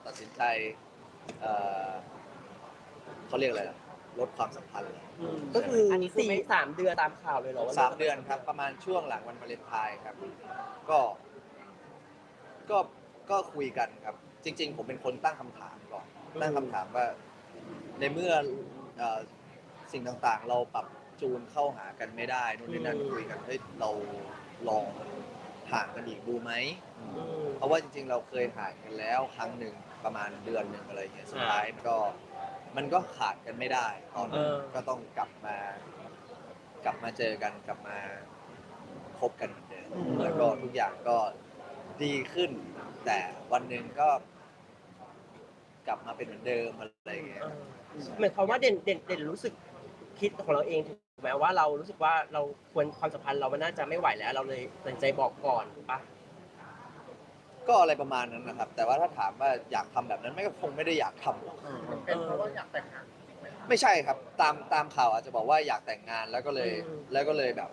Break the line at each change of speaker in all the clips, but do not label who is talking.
ตัดสินใจเอ่อเขาเรียกอะไรล่ะลดความสัมพันธ์เลย
ก็คืออันนี้คือไม่3 เดือนตามข่าวเลยเหรอว่า
3 เดือนครับประมาณช่วงหลังวันวาเลนไทน์ครับก็ก็ก็คุยกันครับจริงๆผมเป็นคนตั้งคำถามก่อนตั้งคำถามว่าในเมื่อเอ่อสิ่งต่างๆเราปรับจูนเข้าหากันไม่ได้นู่นนี่นั่นคุยกันเฮ้ยเราลองห่างกันอีกดูไหมเพราะว่าจริงๆเราเคยห่างกันแล้วครั้งหนึ่งประมาณเดือนหนึ่งอะไรอย่างเงี้ยสุดท้ายมันก็ขาดกันไม่ได้ตอนนั้นก็ต้องกลับมาเจอกันกลับมาคบกันเหมือนเดิมแล้วก็ทุกอย่างก็ดีขึ้น แต่วันหนึ่งก็กลับมาเป็นเหมือนเดิมอะไรอย่างเงี้ย
เหมือนความว่าเด่นรู้สึกคิดของเราเองถูกไหมว่าเรารู้สึกว่าเราควรความสัมพันธ์เรามันน่าจะไม่ไหวแล้วเราเลยตัดสินใจบอกก่อนถูกปะ
ก็อะไรประมาณนั้นนะครับ แต่ว่าถ้าถามว่าอยากทำแบบนั้นไม่ก็คงไม่ได้อยากทำหรอก
เป็นเพราะว่าอยากแต่งงานจริงไหม
ไม่ใช่ครับตามข่าวอาจจะบอกว่าอยากแต่งงานแล้วก็เลยแบบ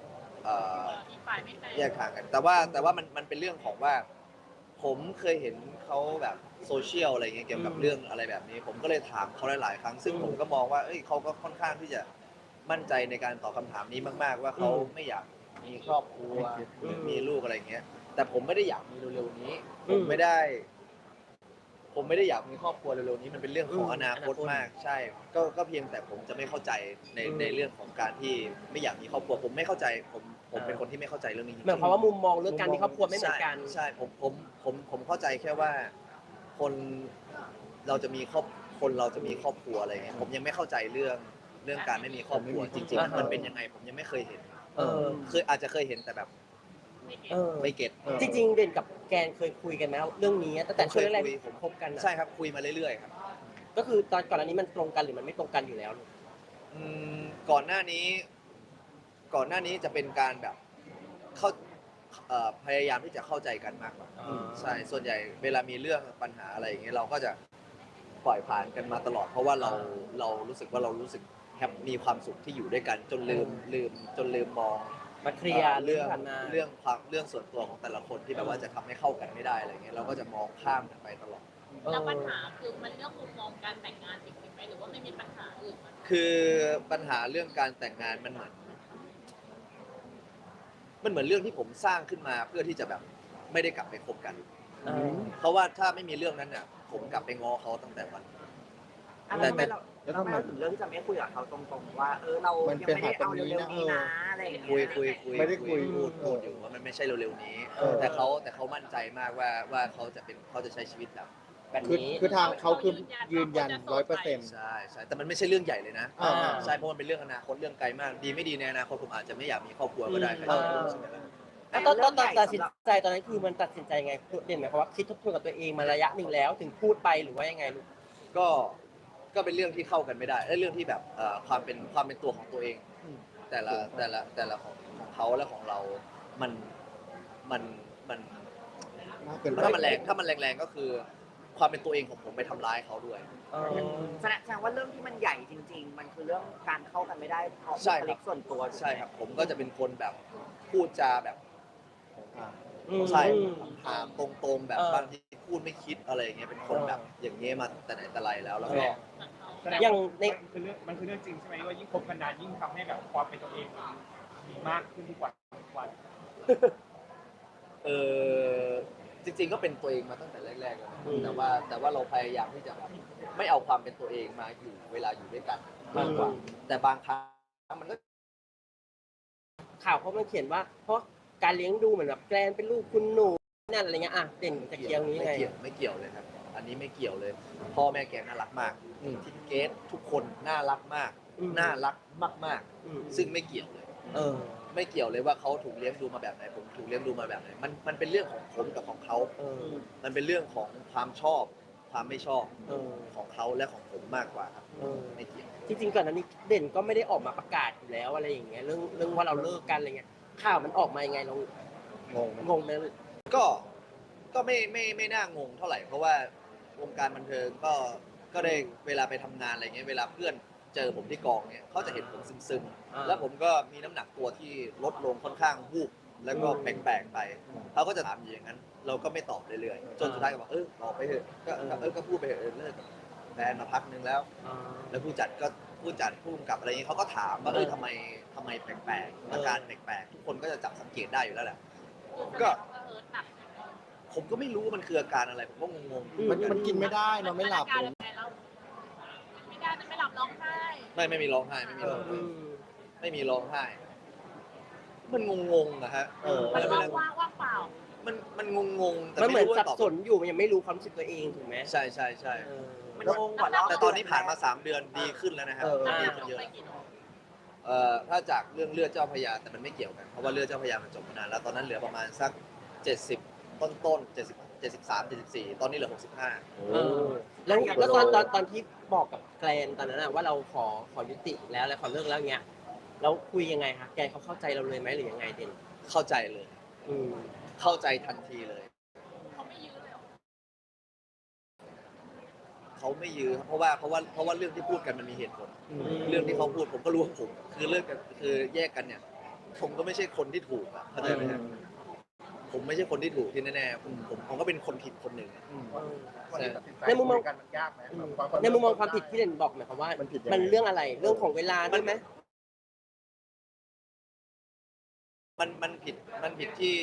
แยกทางกัน แต่ว่ามันเป็นเรื่องของว่าผมเคยเห็นเขาแบบโซเชียลอะไรเงี้ยเกี่ยวกับเรื่องอะไรแบบนี้ ผมก็เลยถามเขาหลายๆครั้งซึ่งผมก็มองว่าเอ้ยเขาก็ค่อนข้างที่จะมั่นใจในการตอบคำถามนี้มากๆว่าเขาไม่อยากมีครอบครัวหรือมีลูกอะไรเงี้ยแต่ผมไม่ได้อยากมีเร็วๆนี้ผมไม่ได้อยากมีครอบครัวเร็วๆนี้มันเป็นเรื่องของอนาคตมากใช่ก็เพียงแต่ผมจะไม่เข้าใจในเรื่องของการที่ไม่อยากมีครอบครัวผมไม่เข้าใจผมเป็นคนที่ไม่เข้าใจเรื่องนี้จริงๆ
เหมือนความว่ามุมมองเรื่องการมีครอบครัวไม่เหมือนกัน
ใช่ผมเข้าใจแค่ว่าคนเราจะมีครอบครัวอะไรเงี้ยผมยังไม่เข้าใจเรื่องการไม่มีครอบครัวจริงๆมันเป็นยังไงผมยังไม่เคยเห็นอาจจะเคยเห็นแต่แบบไม่เก็ต
จริงๆเด่นกับแกนเคยคุยกันไหมเรื่องนี้ตั้งแต่ช่วงแรกๆที่ผมคบกัน
ใช่ครับคุยมาเรื่อยๆครับ
ก็คือตอนก่อนอันนี้มันตรงกันหรือมันไม่ตรงกันอยู่แล้ว
อืมก่อนหน้านี้จะเป็นการแบบเข้าพยายามที่จะเข้าใจกันมากกว่าใช่ส่วนใหญ่เวลามีเรื่องปัญหาอะไรอย่างเงี้ยเราก็จะปล่อยผ่านกันมาตลอดเพราะว่าเรารู้สึกว่าเรารู้สึกมีความสุขที่อยู่ด้วยกันจนลืมมอง
มาเคลียร์
เรื่องส่วนตัวของแต่ละคนที่แบบว่าจะทำให้เข้ากันไม่ได้อะไรเงี้ยเราก็จะมองข้ามกันไปตลอด
แล้วปัญหาคือมันเรื่องมุมมองการแต่งงานจริงๆไหมหรือว่าไม่มีปัญหาอื่นไหม
คือปัญหาเรื่องการแต่งงานมันเหมือนเรื่องที่ผมสร้างขึ้นมาเพื่อที่จะแบบไม่ได้กลับไปคบกันเพราะว่าถ้าไม่มีเรื่องนั้นเนี่ยผมกลับไปง้อเขาตั้งแต่วัน
แต่เราไม่ถึงเรื่องที่จะไม่คุยกับเขาตรงๆว่าเรายังไม่ได้เอาเร็วๆนี้นะอะไรอย่างเงี้ย
คุยไม่ได้คุยพูดอยู่ว่ามันไม่ใช่เร็วๆนี้แต่เขามั่นใจมากว่าเขาจะใช้ชีวิตแบบ
คือทางเขาคือยืนยัน100%
ใช่แต่มันไม่ใช่เรื่องใหญ่เลยนะใช่เพราะมันเป็นเรื่องอนาคตเรื่องไกลมากดีไม่ดีในอนาคตผมอาจจะไม่อยากมีครอบครัวก็ได้
แล้วตอนตัดสินใจตอนนั้นคือมันตัดสินใจยังไงเด่นหมายความว่าคิดทบทวนกับตัวเองมาระยะหนึ่งแล้วถึงพูดไปหรือว่ายังไงลูก
ก็เป็นเรื่องที่เข้ากันไม่ได้เรื่องที่แบบความเป็นตัวของตัวเองแต่ละของเขาและของเรามันถ้ามันแรงก็คือความเป็นตัวเองของผมไปทำร้ายเขาด้วย
แสดงว่าเรื่องที่มันใหญ่จริงๆมันคือเรื่องการเข้ากันไม่ได้เพราะบุคลิกส่วนตัว
ใช่ครับผมก็จะเป็นคนแบบพูดจาแบบใช่ถามตรงๆแบบบางทีพูดไม่คิดอะไรอย่างเงี้ยเป็นคนแบบอย่างเงี้ยมาแต่ไหนแต่ไรแล้วก็
อย่าง
มันคือเรื่องจริงใช่ไหมว่ายิ่งคบกันนานยิ่งทำให้แบบความเป็นตัวเองมีมากขึ้นทุกวัน
จริงๆก็เป็นตัวเองมาตั้งแต่แรกๆแล้วแต่ว่าเราพยายามที่จะแบบไม่เอาความเป็นตัวเองมาอยู่เวลาอยู่ด้วยกันมากกว่าแต่บางครั้งมันก็
ข่าวเขามันเขียนว่าเพราะการเลี้ยงดูเหมือนแบบแกลนเป็นลูกคุณหนูนั่นอะไรเงี้ยเด่นจะเกี่ยวนี้ไง
ไม่เกี่ยวเลยครับอันนี้ไม่เกี่ยวเลยพ่อแม่แกน่ารักมากทีมเกสทุกคนน่ารักมากน่ารักมากๆซึ่งไม่เกี่ยวเลยไม่เกี่ยวเลยว่าเขาถูกเลี้ยงดูมาแบบไหนผมถูกเลี้ยงดูมาแบบไหนมันเป็นเรื่องของผมกับของเขามันเป็นเรื่องของความชอบความไม่ชอบของเขาและของผมมากกว่าครับไม่เกี่ยว
จริงๆก่อนหน้านี้เด่นก็ไม่ได้ออกมาประกาศอยู่แล้วอะไรอย่างเงี้ยเรื่องว่าเราเลิกกันอะไรเงี้ยข่าวมันออกมายังไงเรางงไหม
ก็ไม่น่างงเท่าไหร่เพราะว่าวงการบันเทิงก็ได้เวลาไปทำงานอะไรเงี้ยเวลาเพื่อนเจอผมที่กองเนี่ยเขาจะเห็นผมซึมๆแล้วผมก็มีน้ำหนักตัวที่ลดลงค่อนข้างวูบแล้วก็แปลกๆไปเขาก็จะถามอย่างนั้นเราก็ไม่ตอบเรื่อยๆจนสุดท้ายก็บอกบอกไปเถอะก็พูดไปเถอะเลิกกับแฟนมาพักนึงแล้ว แล้วผู้จัดผู้กำกับอะไรอย่างนี้เขาก็ถามว่าทำไมแปลกๆอาการแปลกๆทุกคนก็จะจับสังเกตได้อยู่แล้วแหละ ก็ผมก็ไม่รู้ว่ามันคืออาการอะไรผมก็งงๆ
มันกินไม่ได้นอนไม่หลับ
ไม่ได้ไม่หลับร้องไห้
ไม่มีร้องไห้ไม่มีร้องไห้ไม่มีร้องไห้ มันงงๆนะฮะ
มันว่างเปล่า
มันงงๆแต่
มันเหมือน
ไรู้
สั
ว่า
บ
ตอบ
สนอยู่มันยังไม่รู้ความรู้สึกตัวเองถูกไหม
ใช่
มันงงกว่าเรา
แต่ตอนนี้ผ่านมา3 เดือนดีขึ้นแล้วนะครับดีขึ้นเยอะถ้าจากเรื่องเลือดเจ้าพระยาแต่มันไม่เกี่ยวกันเพราะว่าเลือดเจ้าพระยามันจบมานานแล้วตอนนั้นเหลือประมาณสัก70ต้น73 74ตอนนี้เหลือ65
แล้วตอนที่บอกกับแกรนตอนนั้นว่าเราขอยุติแล้วและขอเลิกแล้วเงี้ยแล้วคุยยังไงคะแกเขาเข้าใจเราเลยไหมหรือยังไงเด่น
เข้าใจเลย เข้าใจทันทีเลย
เขาไม่ยื้อเลยหรอ
เขาไม่ยื้อเพราะว่าเรื่องที่พูดกันมันมีเหตุผล เรื่องที่เขาพูดผมก็รู้ว่าผมคือเลิกกันคือแยกกันเนี่ย ผมก็ไม่ใช่คนที่ถูกอ่ะเข้าใจไหมครับผมไม่ใช่คนที่ถูกที่แน่ๆผมก็เป็นคนผิดคนหนึ่ง
ในมุมมอง
มันยากไหม
ในมุมมองความผิดที่เด่นบอกหมายความว่ามันเรื่องอะไรเรื่องของเวลาด้วยไหม
มันผิดที่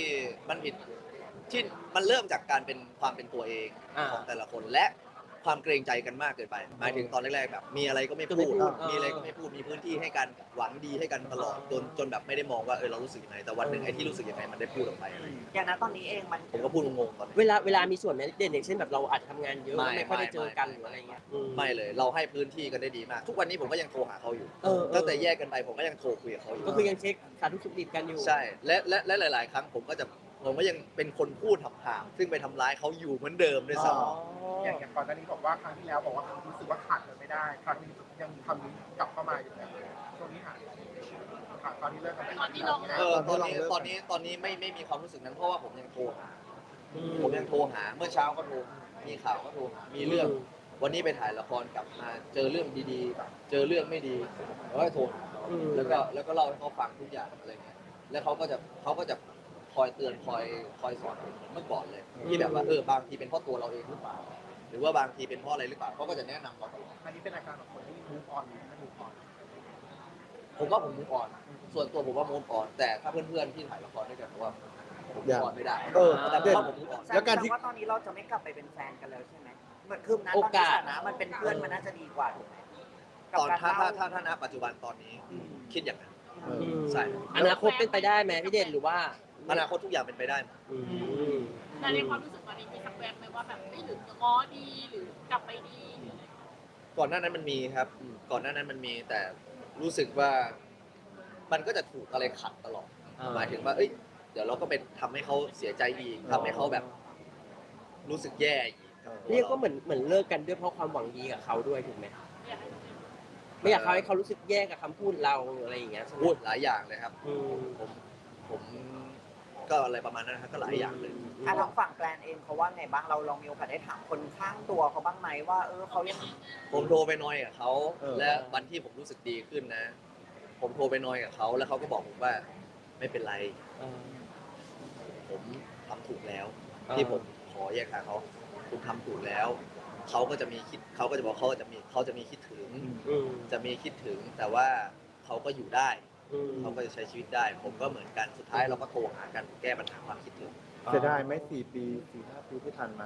มันเริ่มจากการเป็นความเป็นตัวเองของแต่ละคนและความเกรงใจกันมากเกินไปหมายถึงตอนแรกๆแบบมีอะไรก็ไม่พูดมีอะไรก็ไม่พูดมีพื้นที่ให้กันหวังดีให้กันตลอดจนแบบไม่ได้มองว่าเรารู้สึกยังไงแต่วันหนึ่งไอ้ที่รู้สึกยังไงมันได้พูดออกไปอะไรอย่างเงี้ย
อย่างนั้นตอนนี้เองมัน
ผมก็พูดงงๆตอนนี้
เวลามีส่วนไหมเด่นอย่างเช่นแบบเราอาจจะทำงานเยอะไม่ค่อยได้เจอกันหรืออะไรเงี้ย
ไม่เลยเราให้พื้นที่กันได้ดีมาก ทุกวันนี้ผมก็ยังโทรหาเขาอยู่ตั้งแต่แยกกันไปผมก็ยังโทรคุยกับเขาอยู่
ก็คือยังเช็คสารทุกข์สุขดิบกันอยู่
ใช่และหลาย ๆ ครั้งผมก็ยังเป็นคนพูดห่างๆซึ่งไปทำร้ายเขาอยู่เหมือนเดิมด้วยซ้ำ
อย่างก่อนหน้านี้บอกว่าครั้งที่แล้วบอกว่ารู้สึกว่าขาดกันไม่ได้ ครั้งนี้ยังมีคำนี้กลับเข้ามาอยู่แล้วช่วงนี้หายตอนนี้เลิกกันไป
ตอนที่ลง
ตอนนี้ไม่มีความรู้สึกนั้นเพราะว่าผมยังโทรหาเมื่อเช้าก็โทรมีข่าวก็โทรมีเรื่องวันนี้ไปถ่ายละครกลับมาเจอเรื่องดีๆเจอเรื่องไม่ดีแล้วก็โทรหาแล้วก็เล่าให้เขาฟังทุกอย่างอะไรเงี้ยแล้วเขาก็จะคอยเตือนคอยสอนผมเหมือนเมื่อก่อนเลยที่แบบว่าบางทีเป็นเพราะตัวเราเองหรือเปล่าหรือว่าบางทีเป็นเพราะอะไรหรือเปล่าเขาก็จะแนะนำเราตลอด
อันนี้เป็นอาการของคนที่มูฟออนหรือไม่มูฟออน
ผมว่าผมมุกอ่อน ส่วนตัวผมว่ามุกอ่อนแต่ถ้าเพื่อนๆที่ถ่ายละครด้วยกันผมว่าผมมุกอ่อนไม่ได้แต่ผมว่าผมมุกอ่อน
แล้วการที่
ว่าตอนนี้เราจะไม่กลับไปเป็นแฟนกันแล้วใช่ไหมเหมือนคือนั้นตอนที่ฐานะมันเป็นเพื่อนมันน่าจะดีกว่าถูกไหม
ตอนถ้าณปัจจุบันตอนนี้คิดอย่างนั้นใช่
อนาคตเป็นไปได้ไหมพี่เด่นหรือว่า
อนาคตทุกอย่างเป็นไปได้หมด
แต่ในความรู้สึกตอนนี้มีสักแวบไหมว่าแบบไม่หรือจะง้อดีหรือกลับไปดีหรืออะไร
ก่อนหน้านั้นมันมีครับ ก่อนหน้านั้นมันมีแต่รู้สึกว่ามันก็จะถูกอะไรขัดตลอดหมายถึงว่าเดี๋ยวเราก็ไปทำให้เขาเสียใจอีกทำให้เขาแบบ รู้สึกแย่อีก
เรียกก็เหมือนเลิกกันด้วยเพราะความหวังดีกับเขาด้วยถูกไหมไม่อยากให้เขารู้สึกแย่กับคำพูดเราอะไรอย่างเงี้ย
พูดหลายอย่างเลยครับผมก็อะไรประมาณนั้นนะครับก็หลายอย่างเลย
ทางฝั่งแกรนเองเขาว่าไงบ้างเราลองมีโอกาสได้ถามคนข้างตัวเขาบ้างไหมว่าเขายัง
ผมโทรไปนอยกับเขาและวันที่ผมรู้สึกดีขึ้นนะ ผมโทรไปนอยกับเขาแล้วเขาก็บอกผมว่าไม่เป็นไรผมทำถูกแล้ว ที่ผมขอแยกทางเขาคุณทำถูกแล้วเขาก็จะบอกเขาจะมีคิดถึงจะมีคิดถึงแต่ว่าเขาก็อยู่ได้เขาก็จะใช้ชีวิตได้ ผมก็เหมือนกันสุดท้ายเราก็โทรหากันแก้ปัญหาความคิดถึง
เสียดายไหม4 ปี 4-5 ปีที่ผ่านมา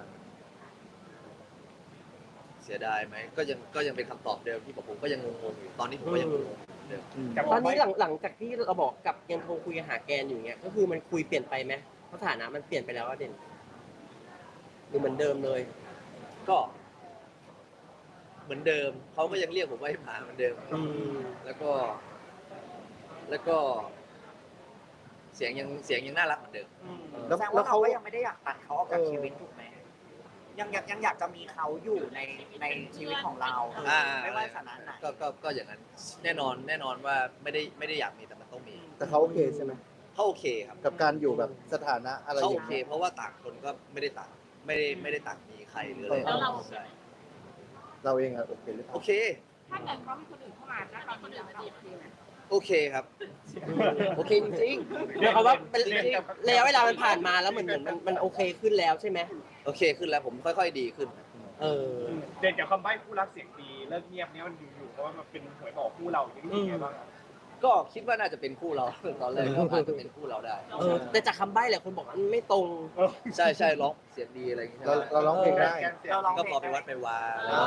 เสียดายไหมก็ยังเป็นคำตอบเดิมที่ผมก็ยังงงๆอยู่ตอนนี้ผมก็ยังงงๆเดิม
ตอนนี้หลังจากที่เราบอกกับยังโทรคุยหาแกนอยู่เงี้ยก็คือมันคุยเปลี่ยนไปไหมสถานะมันเปลี่ยนไปแล้วว่าเด่นหรือเหมือนเดิมเลย
ก็เหมือนเดิมเขาก็ยังเรียกผมว่าให้มาเหมือนเดิมแล้วก็เสียงยังน่ารักเหมือนเดิม
แสดงว่าเราก็ยังไม่ได้อยากตัดเขาออกจากชีวิตถูกไหมยังอยากจะมีเขาอยู่ในชีวิตของเราไม่ว่าสถานะไหน
ก็อย่างนั้นแน่นอนว่าไม่ได้อยากมีแต่มันต้องมี
แต่เขาโอเคใช่ไหม
เขาโอเคครับ
กับการอยู่แบบสถานะอะไรอ
เขาโอย่าง เค
เงี้ย
เพราะว่าต่างคนก็ไม่ได้ต่างมีใครหรืออะไร
แล้วเรา
ใช่
เราเองอะโอเคหรือเป
โอ
ล่า
เค
ถ้าเกิดเขามีคนอื่นเข้ามาแล้วเราคนอื่นมาจีบคือไหม
โอเคครับ โอเคจริง
หมายความว่าเป็น
จริง
ระยะเวลามันผ่านมาแล้วเหมือนมันโอเคขึ้นแล้วใช่ไหม
ๆโอเคขึ้นแล้วผมค่อยๆดีขึ้น
เออ
เด่นกับคำใบ้คู่รักเสียงดีเลิกเงียบเนี้ยมันอยู่ๆเพราะว่ามันเป็นหวยบอกคู่เราอย่างนี้ไงบ้างอะ
ก็คิดว่าน่าจะเป็นคู่เรา ตอนแรกก็อาจจะเป็นคู่เราได้
เออแต่จากคำใบ้หลายคนบอกมันไม่ตรง
ใช่ใช่ร้องเสียงดีอะไรอย่างเงี้ย
เราร้องเพลงได้
เราลอง
ก็
เพ
พ
ล
อง ไปวัดไปวา
อ๋อ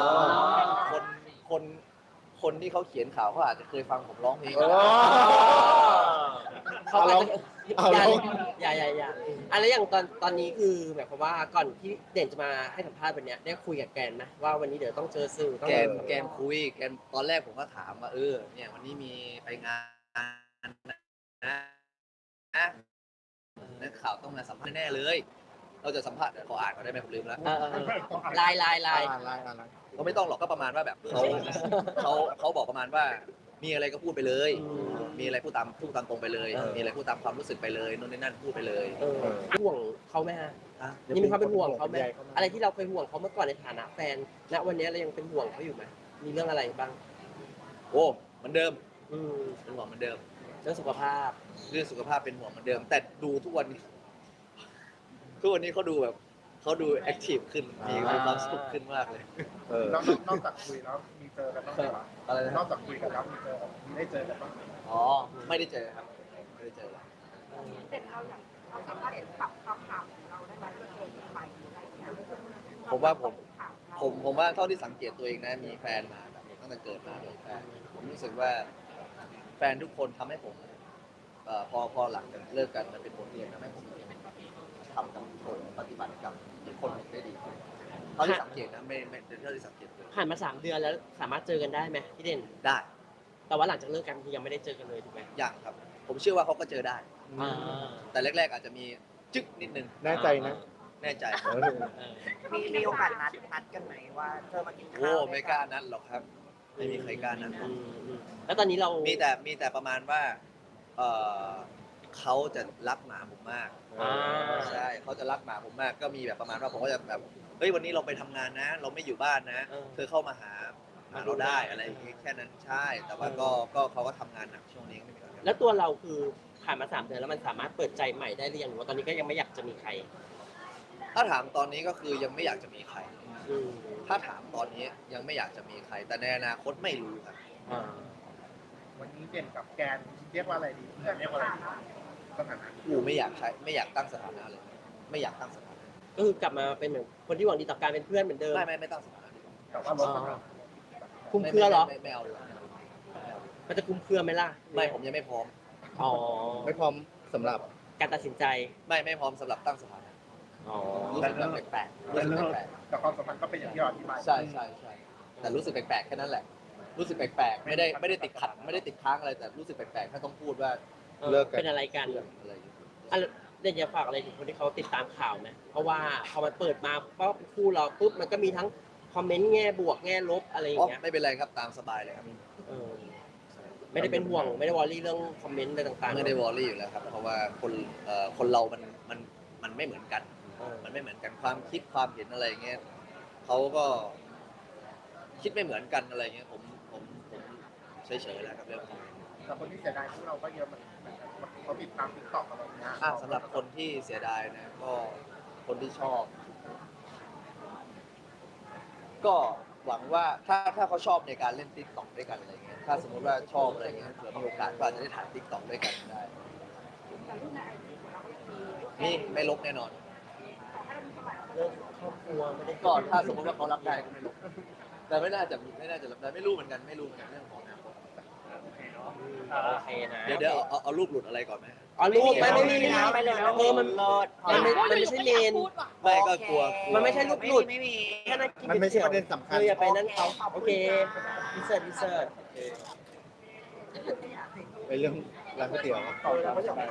คนที่เขาเขียนข่าวเขาอาจจะเคยฟังผมร้องเพลง
โอ้
เขาอาจจะ
เอา
อย่า
ลอง
อย่าอะไรอย่างตอนนี้คือหมายความว่าก่อนที่เด่นจะมาให้สัมภาษณ์วันเนี้ยได้คุยกับแกนไหมว่าวันนี้เดี๋ยวต้องเจอสื่อต้อง
แกมคุยแกมตอนแรกผมก็ถามว่าเนี่ยวันนี้มีไปงานนะนักข่าวต้องมาสัมภาษณ์แน่เลย เราจะสัมภาษณ์ขออ่านก่อนได้ไหมผมลืมแล้ว
ลาย
อะไร
ก็ไม่ต้องหรอกก็ประมาณว่าแบบเขาบอกประมาณว่ามีอะไรก็พูดไปเลย มีอะไรพูดตามตรงไปเลย มีอะไรพูดตามความรู้สึกไปเลยนู่นนี่นั่นพูดไปเลย
ห่วงเขาไหมฮะยังมีความเป็นห่วงเขาไหมอะไรที่เราเคยห่วงเขาเมื่อก่อนในฐานะแฟนณวันนี้เรายังเป็นห่วงเขาอยู่ไหมมีเรื่องอะไรบ้าง
โอ้เหมือนเดิม
อืม
เป็นห่วงเหมือนเดิม
เรื่องสุขภาพ
เรื่องสุขภาพเป็นห่วงเหมือนเดิม แต่ดูทุกวันนี้เขาดูแบบเขาดูแอคทีฟขึ้นมีความสุขขึ้นมากเลย
แล้วนอกจากคุยแล้วมีเจอกันบ้างไหมวะ
อะไรนะ
นอกจากคุยกันแล้วมีได้เจอกันบ้างไหม
อ๋อไม่ได้เจอครับไม่ได้เจอ
เด็กเราอย่างเราสามารถปรับคำถามของเราได้ไหมเพื่อเป็นใหม่หรืออะไรอย่างเงี้ย
ผมว่าเท่าที่สังเกตตัวเองนะมีแฟนมาแบบตั้งแต่เกิดมาเลยแฟนผมรู้สึกว่าแฟนทุกคนทำให้ผมพอหลังจากเลิกกันมันเป็นบทเรียนทำให้ผมทำกับคนปฏิบัติกับอีกคนหนึ่งได้ดีขึ้นเท่าที่สังเกตนะไม่เท่าที่สังเกตตัวเอง
ผ่านมา3 เดือนแล้วสามารถเจอกันได้ไหมพี่เด่น
ได้
แต่ว่าหลังจากเลิกกันคือยังไม่ได้เจอกันเลยถูกไหม
อย่างครับ ผมเชื่อว่าเขาก็เจอได้
อ่า
แต่แรกๆอาจจะมีจึ๊กนิดนึง
แน่ใจนะ
แน่ใจ
มีโอกาสนัดกันไหมว่าเธอมากินข้าว
โอ้ไม่กล้านัดหรอกครับ ไม่มีใครกล้านัดหรอก
แล้วตอนนี้เรา
มีแต่ประมาณว่าเขาจะรักหมาผมมาก
อ่า
ใช่เขาจะรักหมาผมมากก็มีแบบประมาณว่าผมก็จะแบบเฮ้ยวันนี้เราไปทำงานนะ เราไม่อยู่บ้านนะเธอเข้ามาหาเราได้อะไรอย่างงี้แค่นั้นใช่ แต่ว่าก็เขาก็ทำงานหนักช่วงนี้ไม่มีอะไร
แล้วตัวเราคือผ่านมา3 เดือนแล้วมันสามารถเปิดใจใหม่ได้หรือยังหรือว่าตอนนี้ก็ยังไม่อยากจะมีใคร
ถ้าถามตอนนี้ก็คือยังไม่อยากจะมีใคร
อืม
ถ้าถามตอนนี้ยังไม่อยากจะมีใคร แต่ในอนาคตไม่รู้ครับ
อ่า
วันนี้เด่นกับแกนเรียกว่าอะไรดีเพื่อนเรียกว่าอะไรดีสถานะ
กูไม่อยากตั้งสถานะเลย ไม่อยากตั้งสถานะ
ก็คือกลับมาเป็นเหมือนคนที่หวังดีต่อการเป็นเพื่อนเหมือนเดิม
ไม่ตั้งสถานะดีกว่า
แต่ว่าลดสถานะ
คุ้มเครือเหรอ
ไม่เอาเลย
มันจะคุ้มเครือไหมล่ะ
ไม่ผมยังไม่พร้อม
อ๋อ
ไม่พร้อมสำหรับ
การตัดสินใจ
ไม่พร้อมสำหรับตั้งสถานะ
อ๋อ
รู้สึกแบบแปลกๆรู้สึกแปลก
แต่ความสัมพันธ์ก็เป็นอย่างที่เราอธิบาย
ๆใช่แต่รู้สึกแปลกๆแค่นั้นแหละ รู้สึกแปลกๆไม่ได้ติดขัดไม่ได้ติดค้างอะไรแต่รู้สึกแปลกๆถ้าต้องพูดว่า
เลิกกัน
เป็นอะไรกัน
เรื่องอะไรอย่างเงี้ย
อ่ะเด่นอยากฝากอะไรถึงคนที่เขาติดตามข่าวไหมเพราะว่าพอมันเปิดมาปุ๊บคู่เราปุ๊บมันก็มีทั้งคอมเมนต์แง่บวกแง่ลบอะไรอย่างเงี้ย
ไม่เป็นไรครับตามสบายเลยครับ
เออไม่ได้เป็นห่วงไม่ได้วอรี่เรื่องคอมเมนต์อะไรต่างๆ
ไม่ได้วอรี่อยู่แล้วครับ เพราะว่าคนเรามันไม่เหมือนกัน มันไม่เหมือนกันความคิดความเห็นอะไรเงี้ยเขาก็คิดไม่เหมือนกันอะไรเงี้ยผมเฉยๆแล้วครับเรื่องนี้
แต่คนที่เสียดายพวกเราก็เยอะมันเขาติดตามติ๊กต็อกอะไรเงี้ย
สำหรับคนที่เสียดายนะก็คนที่ชอบ ก็หวังว่าถ้าเขาชอบในการเล่นติ๊กต็อกด้วยกันอะไรเงี้ยถ้าสมมติว่าชอบอะไรเงี้ยเผื่อมีโอกาสก็อาจจะได้ถ่ายติ๊กต็อกด้วยกันได้
แต่รูปในไอจีของเราก็ยังมี
นี่ไม่ลบแน่นอน
เรื่องครอบครัวไม่ได้
ก็ถ้าสมมติว่าเขารับได้ก็ไม่ลบแต่ไม่น่าจะรับได้ไม่รู้เหมือนกันเรื่องของอนาคต
โอเคนะ
เดี๋ยวเอารูปหลุดอะไรก่อนไหม
อ๋อลูกไม่มี
ไม่เลย
เออมันไม่ใช่เมน
ไม่ก็กลัว
มันไม่ใช่รูปหลุด
ไม่มี
แค่นั้นกิน
มันไม่ใช่ประเด็นสำคัญ
อย่าไปนั่นเขาโอเคดิเซอร์
ไปเรื่องร้านก๋วยเตี๋ยว